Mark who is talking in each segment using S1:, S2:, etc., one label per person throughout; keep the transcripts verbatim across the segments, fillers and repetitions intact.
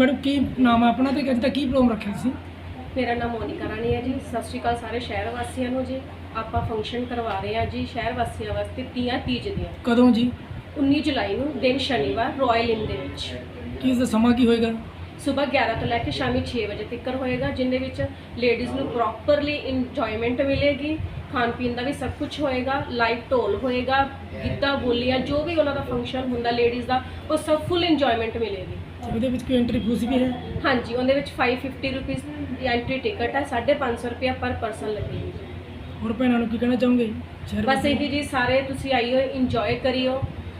S1: Madam की नाम है अपना तो अज तक की प्रोग्राम रखे सी?
S2: मेरा नाम मोनिका रानी है जी। सत श्री अकाल सारे शहर वासियों ਨੂੰ जी। ਆਪਾਂ फंक्शन करवा रहे हैं जी शहर वासियों वास्ते ਤੀਆਂ तीज ਦੀਆਂ।
S1: कदों जी?
S2: उन्नीस जुलाई ਨੂੰ दिन शनिवार रॉयल इन ਦੇ ਵਿੱਚ।
S1: ਕੀ ਇਸ ਦਾ ਸਮਾਂ ਕੀ ਹੋਏਗਾ?
S2: सुबह ग्यारह तो लैके शामी छे बजे तक होएगा, जिन्हें विच लेडीज़ नू प्रॉपरली इंजॉयमेंट मिलेगी, खान पीन का भी सब कुछ होएगा, लाइव ढोल होएगा, गिद्धा बोलियाँ जो भी उन्होंने फंक्शन होंदा लेडीज़ का वो सब फुल इंजॉयमेंट मिलेगी।
S1: ਉਹਦੇ ਵਿੱਚ ਕੋਈ एंट्री फीस भी है?
S2: हाँ जी, उन्हें विच five fifty rupees entry ticket है, साढ़े पाँच सौ रुपया पर पर्सन लगेगी।
S1: और भैनों ਨੂੰ ਕੀ ਕਹਿਣਾ ਚਾਹੋਗੇ?
S2: बस यही जी, सारे तुसी आइयो इंजॉय करियो।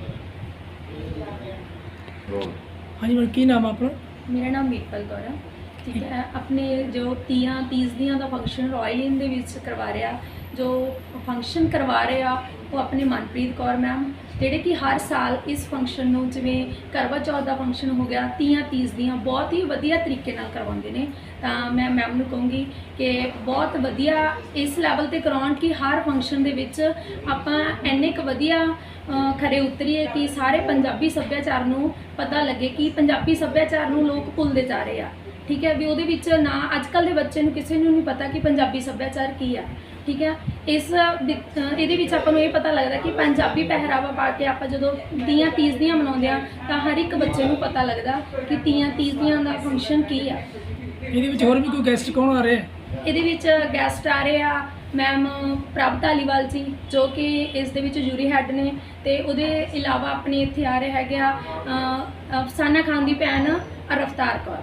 S1: हाँ जी मैडम की नाम है अपना?
S3: मेरा नाम वीरपल कौर है। ठीक है, अपने जो तीयां तीज दियां का फंक्शन रॉयल इन दे विच करवा रहा, जो फंक्शन करवा रहे आ वो अपने मनप्रीत कौर मैम, ਜਿਹੜੇ कि हर साल इस फंक्शन ਨੂੰ ਜਿਵੇਂ ਕਰਵਾ ਚੌਥ ਦਾ ਫੰਕਸ਼ਨ ਹੋ ਗਿਆ, ਤੀਆਂ ਤੀਜ ਦੀਆਂ ਬਹੁਤ ਹੀ ਵਧੀਆ ਤਰੀਕੇ ਨਾਲ ਕਰਵਾਉਂਦੇ ਨੇ। ਤਾਂ ਮੈਂ ਮੈਮ ਨੂੰ ਕਹੂੰਗੀ ਕਿ ਬਹੁਤ ਵਧੀਆ ਇਸ ਲੈਵਲ ਤੇ ਕਰਾਉਣ ਕਿ ਹਰ ਫੰਕਸ਼ਨ ਦੇ ਵਿੱਚ ਆਪਾਂ ਇੰਨੇ ਕੁ ਵਧੀਆ ਖਰੇ ਉਤਰੀਏ ਕਿ ਸਾਰੇ ਪੰਜਾਬੀ ਸੱਭਿਆਚਾਰ ਨੂੰ ਪਤਾ ਲੱਗੇ ਕਿ ਪੰਜਾਬੀ ਸੱਭਿਆਚਾਰ ਨੂੰ ਲੋਕ ਭੁੱਲਦੇ ਜਾ ਰਹੇ ਆ। ਠੀਕ ਹੈ, ਵੀ ਉਹਦੇ ਵਿੱਚ ਨਾ ਅੱਜ ਕੱਲ੍ਹ ਦੇ ਬੱਚੇ ਨੂੰ ਕਿਸੇ ਨੂੰ ਨਹੀਂ ਪਤਾ ਕਿ ਪੰਜਾਬੀ ਸੱਭਿਆਚਾਰ ਕੀ ਆ। ठीक है, इस ये ਆਪਾਂ ਨੂੰ ਇਹ ਪਤਾ लगता कि पंजाबी पहरावा पा के आप जो तीयां तीज दियां मनाਉਂਦੇ ਆ ਤਾਂ हर एक बच्चे ਨੂੰ पता लगता कि तीयां तीज दियां ਦਾ फंक्शन की आ।
S1: ਇਹਦੇ ਵਿੱਚ ਹੋਰ ਵੀ ਕੋਈ ਗੈਸਟ ਕੌਣ ਆ ਰਹੇ ਹੈ?
S3: ਇਹਦੇ ਵਿੱਚ ਗੈਸਟ ਆ ਰਹੇ ਆ मैम प्रभ धालीवाल जी जो कि इस दे विच जूरी हैड ने, ते उहदे इलावा अपने इत्थे आ रहे हैगे आ अफसाना खान दी भैन रफ्तार कौर।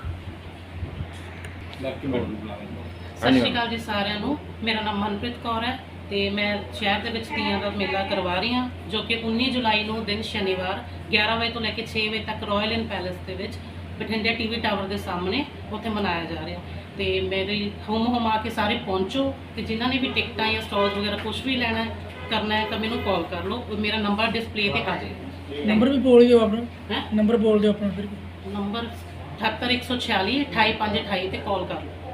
S4: सत श्री अकाल जी सारिਆਂ ਨੂੰ। मेरा नाम मनप्रीत कौर है ਤੇ मैं शहर ਦੇ ਵਿੱਚ ਤੀਆਂ ਦਾ ਮੇਲਾ ਕਰਵਾ ਰਹੀ ਹਾਂ ਜੋ ਕਿ उन्नीस जुलाई ਨੂੰ ਦਿਨ ਸ਼ਨੀਵਾਰ ग्यारह ਵਜੇ ਤੋਂ ਲੈ ਕੇ छह ਵਜੇ ਤੱਕ ਰਾਇਲ ਇਨ ਪੈਲੇਸ ਦੇ ਵਿੱਚ ਬਠਿੰਡੇ ਟੀਵੀ ਟਾਵਰ ਦੇ ਸਾਹਮਣੇ ਉੱਥੇ ਮਨਾਇਆ ਜਾ ਰਿਹਾ। ਤੇ ਮੇਰੀ ਹੁਮ ਹੁਮਾ ਕੇ ਸਾਰੇ ਪਹੁੰਚੋ ਤੇ ਜਿਨ੍ਹਾਂ ਨੇ ਵੀ ਟਿਕਟਾਂ ਜਾਂ ਸਟਾਲਸ ਵਗੈਰਾ ਕੁਝ ਵੀ ਲੈਣਾ ਕਰਨਾ ਹੈ ਤਾਂ ਮੈਨੂੰ ਕਾਲ ਕਰ ਲਓ। ਮੇਰਾ ਨੰਬਰ ਡਿਸਪਲੇ ਤੇ ਆ ਜਾਏਗਾ।
S1: ਨੰਬਰ ਵੀ ਬੋਲ ਦਿਓ ਆਪਣਾ।
S4: ਹੈ
S1: ਨੰਬਰ ਬੋਲ ਦਿਓ ਆਪਣਾ ਫਿਰ।
S4: ਨੰਬਰ ਅਠੱਤਰ ਇੱਕ ਸੌ ਛਿਆਲੀ ਅਠਾਈ ਪੰਜ ਅਠਾਈ ਤੇ ਕਾਲ ਕਰ ਲਓ।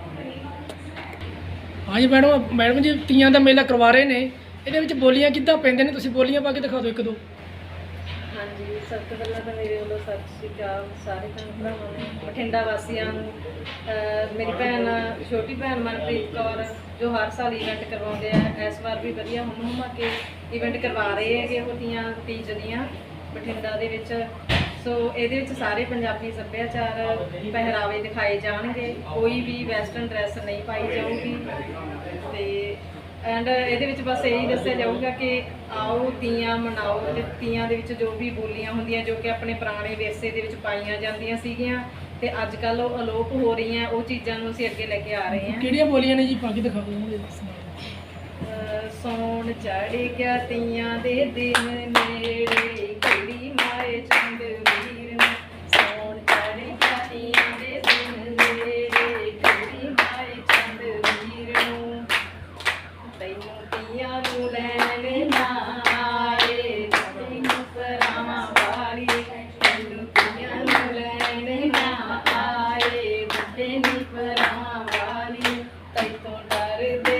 S1: हाँ जी मैडम, मैडम जी तीयां ਦਾ ਮੇਲਾ ਕਰਵਾ ਰਹੇ ਨੇ, ਇਹਦੇ ਵਿੱਚ ਬੋਲੀਆਂ ਕਿੱਦਾਂ ਪੈਂਦੇ ਨੇ? ਤੁਸੀਂ ਬੋਲੀਆਂ ਪਾ ਕੇ ਦਿਖਾ ਦਿਓ ਇੱਕ ਦੋ।
S2: हाँ जी, सब तो पहला तो मेरे वालों सत श्री अकाल सारे भैन भरावां नूं, बठिंडा वासियां नूं। मेरी भैन छोटी भैन मनप्रीत कौर जो हर साल इवेंट करवाते हैं, इस बार भी वधिया हुम हुमा के इवेंट करवा रहे हैं वो तीयां तीज दियां बठिंडा दे विच। सो ये सारे पंजाबी सभ्याचार पहरावे दिखाए जाएंगे, कोई भी वैसटर्न ड्रैस नहीं पाई जाऊगी। तो एंड ये बस यही दसिया जाऊगा कि आओ तीयां मनाओ, ते तीयां दे विच जो भी बोलियां होंदियां जो कि अपने पुराने विरसे दे विच पाईयां जांदियां सीगियां ते अजकल वो अलोप हो रही हैं, वो चीज़ों को असीं अगे लैके आ रहे हैं।
S1: किहड़ियां बोलियां ने जी पा के दिखा दिओ।
S2: सौण चढ़ गया तीयां दे दिन नेड़े, कुड़ी माए चंद वीर ने। सौण चढ़ गया तीयां दे दिन नेड़े, कुड़ी माए चंद वीर नूं। तैनूं तीयां नूं लैण ना आए, तैनूं परावां वाली। तैनूं तीयां नूं लैण ना आए, बुड्ढे नी परावां वाली। तैतों डरदे